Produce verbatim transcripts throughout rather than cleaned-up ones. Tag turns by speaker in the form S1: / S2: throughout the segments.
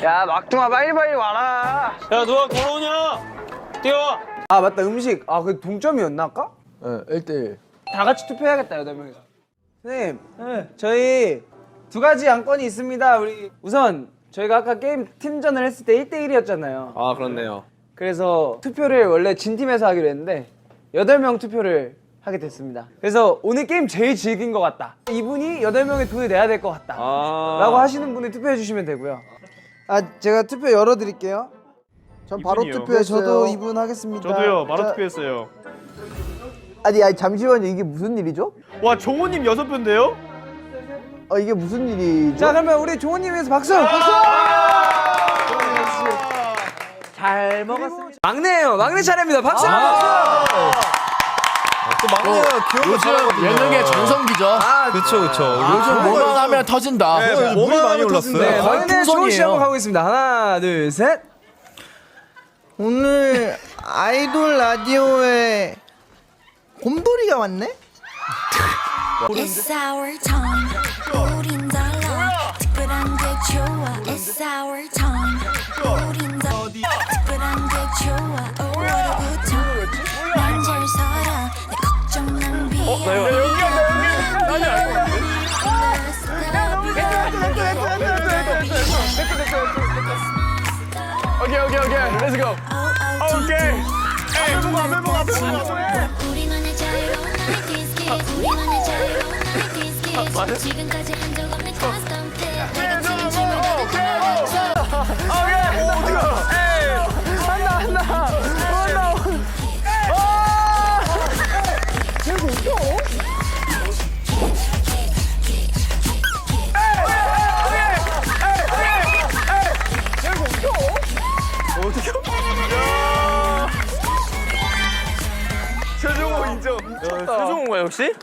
S1: 야 막둥아 빨리빨리 와라.
S2: 야 누가 걸어오냐? 뛰어.
S1: 아 맞다 음식. 아 그 동점이었나 아까?
S3: 네, 일 대 일.
S1: 다 같이 투표해야겠다 여덟 명이서. 선생님, 네. 저희 두 가지 안건이 있습니다. 우리 우선 저희가 아까 게임 팀전을 했을 때 일 대 일이었잖아요.
S2: 아 그렇네요.
S1: 그래서 투표를 원래 진 팀에서 하기로 했는데 여덟 명 투표를 하게 됐습니다. 그래서 오늘 게임 제일 즐긴 것 같다. 이분이 여덟 명의 돈을 내야 될 것 같다.
S2: 아
S1: 라고 하시는 분이 투표해 주시면 되고요. 아 제가 투표 열어드릴게요.
S4: 전 바로
S2: 이분이요.
S4: 투표했어요.
S1: 저도 이분 하겠습니다.
S2: 저도요. 바로
S1: 자,
S2: 투표했어요.
S4: 아니, 아니 잠시만요. 이게 무슨 일이죠?
S2: 와 종호님 여섯 표인데요?
S4: 어 이게 무슨 일이죠?
S1: 자 그러면 우리 종호님 위해서 박수! 박수! 잘 먹었습니다. 막내예요. 막내 차례입니다. 박수!
S3: 또 막내가 귀여운
S5: 요즘 예능의 전성기죠.
S1: 아,
S3: 그쵸 그쵸.
S5: 요즘 뭐만 하면 터진다.
S3: 네,
S5: 뭐,
S3: 물이 많이 올랐어요.
S1: 네,
S5: 거의
S1: 막내 종호 씨
S5: 풍선이에요.
S1: 한번 가보겠습니다. 하나, 둘, 셋.
S4: 오늘 아이돌 라디오에 곰돌이가 왔네?
S6: It's our time. 우린 달라. 특별한 게 좋아. It's our time. 우린 달라. 특별한 게 좋아. 오월부터 난 잘 살아. 내 걱정 낭비. 어, 나 여기 여기 여기
S2: 오케이 오케이 오케이. 렛츠 고. 오케이. 에이 보고 앞에 보고 앞에 보고.
S6: 우리만의 자유로운 나이티즈 kids. 우리만의 자유로운 나이티즈 kids. 지금까지 한 적 없는 custom fit. 내가 지금 춤을 가득
S2: 오케이. 오 어디가? 에이. 한다 한다. 한다. 최종호 인정. 최종호가 역시?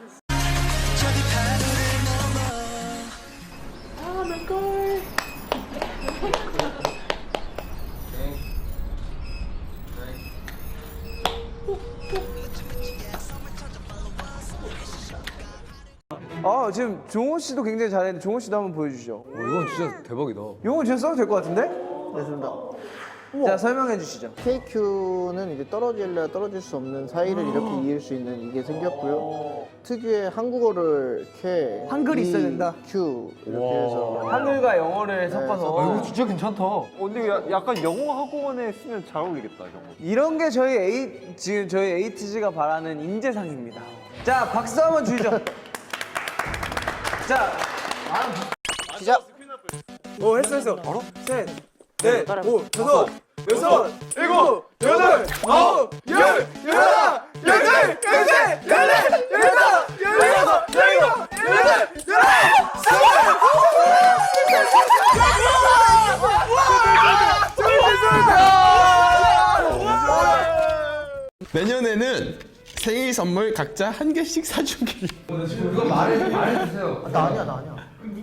S1: 아 지금 종호 씨도 굉장히 잘했는데 종호 씨도 한번 보여주시죠.
S3: 어, 이건 진짜 대박이다.
S1: 이건 진짜 써도 될 것 같은데?
S4: 됐습니다.
S1: 자 설명해 주시죠.
S4: 케이큐는 이제 떨어질래 떨어질 수 없는 사이를 이렇게 이을 수 있는 이게 생겼고요. 특유의 한국어를 K,
S1: 한글이 있어야 된다.
S4: Q 이렇게 해서
S1: 한글과 영어를 섞어서
S3: 아, 이거 진짜 괜찮다.
S2: 어, 근데 야, 약간 영어 학원에 쓰면 잘 어울리겠다 이런 거.
S1: 이런 게 저희 에이 지금 저희 에이티즈가 바라는 인재상입니다. 자 박수 한번 주시죠. 자
S4: 시작.
S1: 오 했어 했어. 바로 셋, 넷, 오, 다섯, 여섯, 일곱, 여덟, 아홉, 열, 열하나, 열둘, 열셋, 열넷, 열다섯, 열여섯, 열일곱, 열여덟, 열아홉,
S7: 내년에는 생일 선물 각자 한 개씩 사주기.
S4: 나 아니야 나 아니야.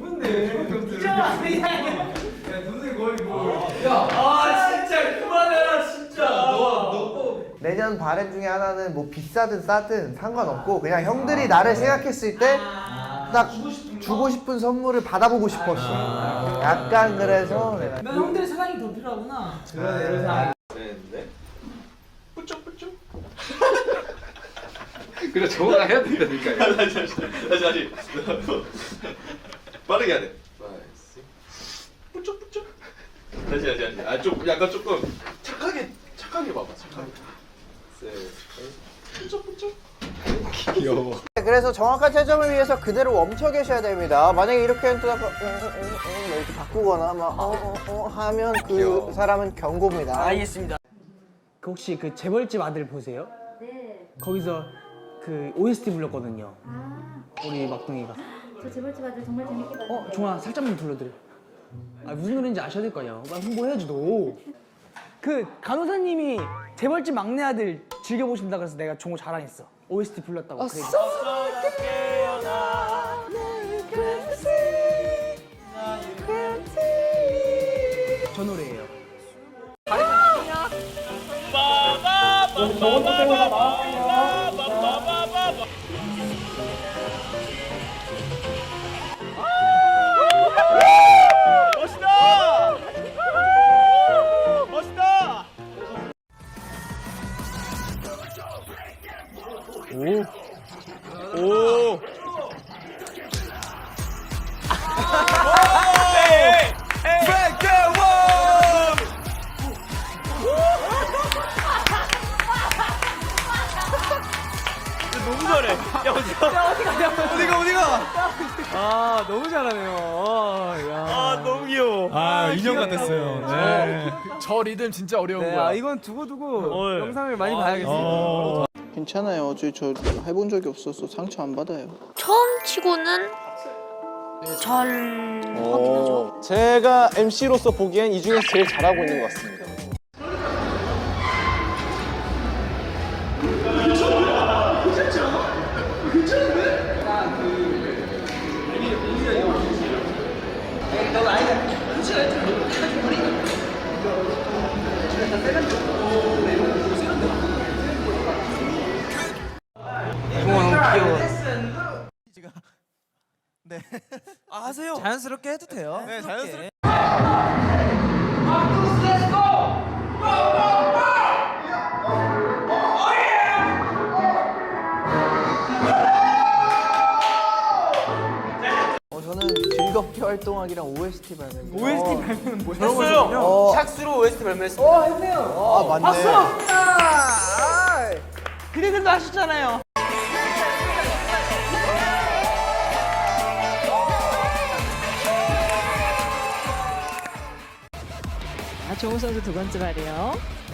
S4: 내년 바램 중에 하나는 뭐 비싸든 싸든 상관없고 그냥 형들이 나를 생각했을 때 딱 주고 싶은 선물을 받아보고 싶었어. 약간 그래서 내가
S8: 형들의 사랑이 더 필요하구나.
S7: 그래 정우가 해야 된다니까. 다시 다시 다시 다시. 빠르게 해야 돼. 뿌쩍뿌쩍. 다시 다시 다시. 아좀 약간 조금 착하게 착하게 봐봐 착하게. 셋. 뿌쩍뿌쩍. 귀여워.
S4: 그래서 정확한 채점을 위해서 그대로 멈춰 계셔야 됩니다. 만약에 이렇게 했다가 이렇게 바꾸거나 막 어, 어, 어 하면 그
S7: 귀여워.
S4: 사람은 경고입니다.
S8: 알겠습니다. 그 혹시 그 재벌집 아들 보세요?
S9: 네.
S8: 거기서 그 오에스티 불렀거든요.
S9: 아,
S8: 우리 막둥이가.
S9: 저 재벌집 아들 정말 재밌게 봤어요.
S8: 어, 종아 살짝만 불러드려. 아 무슨 노래인지 아셔야 될 거 아니야. 빨리 홍보해야지 너. 그 간호사님이 재벌집 막내 아들 즐겨 보신다 그래서 내가 종호 자랑했어. 오에스티 불렀다고. 아, 저 노래예요.
S2: 멋있다.
S8: 야 어디 가냐?
S1: 어디가 어디가?
S8: 아 너무 잘하네요. 아, 야.
S7: 아 너무 귀여워.
S2: 아 인형 같았어요. 네.
S5: 저 리듬 진짜 어려운
S8: 네,
S5: 거야.
S8: 아, 이건 두고 두고
S7: 어,
S8: 영상을 많이 봐야겠어요.
S2: 어.
S4: 괜찮아요. 저, 저 해본 적이 없어서 상처 안 받아요.
S6: 처음 치고는 잘 하긴 하죠.
S1: 제가 엠씨로서 보기엔 이 중에서 제일 잘하고 있는 것 같습니다.
S8: 아 하세요. 자연스럽게 해도 돼요.
S1: 네, 자연스럽게.
S4: 어, 저는 즐겁게 활동하기랑 오에스티 발매.
S8: 오에스티 발매는 뭐예요?
S1: 했어요.
S4: 어.
S1: 샥스로 오에스티 발매했어.
S8: 어 했네요.
S4: 아, 맞네.
S8: 박수! 아, 그대들도 하셨잖아요.
S10: 아, 정우 선수 두 번째 발이요.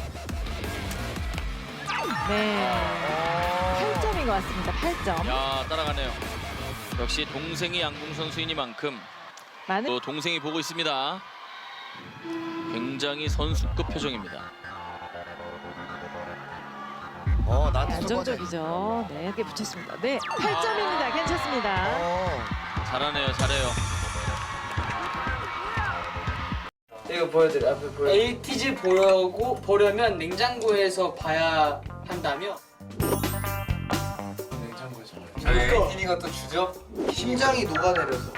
S10: 네. 팔 점인 것 같습니다. 팔 점.
S11: 야 따라가네요. 역시 동생이 양궁 선수이니만큼
S10: 많은
S11: 또 동생이 보고 있습니다. 굉장히 선수급 표정입니다.
S4: 어, 나한테
S10: 안정적이죠. 네, 이렇게 붙였습니다. 네, 팔 점입니다. 괜찮습니다.
S11: 잘하네요, 잘해요.
S8: 이거 보여드려. 앞에 보여. 엘티지 보려고 보려면 냉장고에서 봐야 한다며?
S3: 에이티니가 또 주죠?
S4: 심장이 녹아내려서.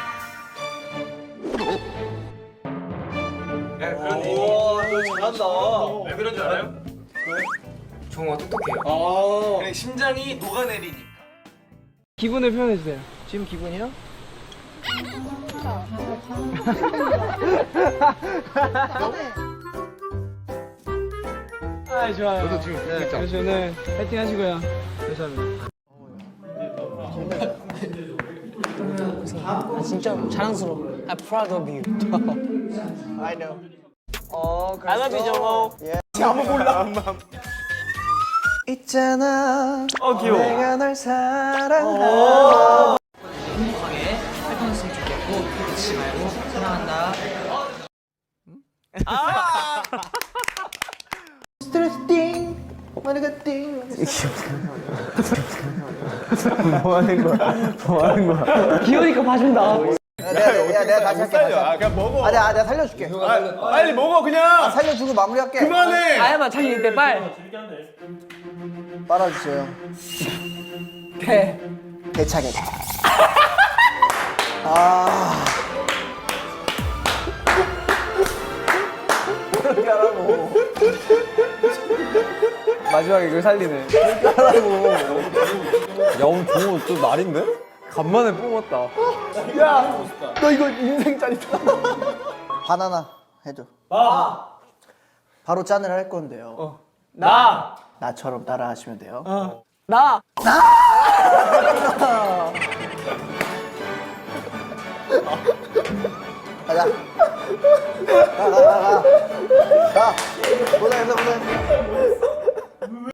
S1: 오, 너 잘한다. 왜 그런 줄 알아요?
S3: 종호가 똑똑해요.
S8: 어.
S1: 그냥 심장이 녹아내리니까.
S8: 기분을 표현해 주세요. 지금 기분이요? 아 좋아요.
S3: 저도 지금
S8: 네, 그래서 오늘 파이팅 하시고요. 감사합니다. 아, 진짜 자랑스러워. I'm proud of you.
S4: I know.
S8: 어, I love you, 정호.
S1: 아무 몰라.
S4: 있잖아.
S1: 어 귀여워.
S4: 내가 널 사랑하.
S8: 행복하게 활동했으면 좋겠고 그치지 말고 사랑한다.
S4: 스트레스 띵. 머리가 띵.
S8: 귀여우니까 봐준다.
S4: 야, 내가, 야, 내가 다시 할게. 다시 할게.
S1: 아 그냥 먹어.
S4: 아, 내가, 내가 살려줄게.
S1: 아, 빨리 먹어
S4: 아,
S1: 그냥.
S4: 살려주고 마무리할게.
S1: 그만해.
S8: 아야만 자기 이때 빨.
S4: 빨아주세요.
S8: 배.
S4: 대차게. 아. 그렇게 하라고.
S3: 마지막에 이걸 살리네.
S4: 그렇게 하라고.
S3: 야 오늘 종호 또 날인데? 간만에 뿜었다.
S4: 야, 너 이거 인생 짜릿다. 바나나 해줘.
S1: 아.
S4: 바로 짠을 할 건데요.
S1: 나.
S4: 나처럼 따라 하시면 돼요.
S8: 나.
S4: 가자. 가, 가, 가, 가. 가. 고생했어, 고생.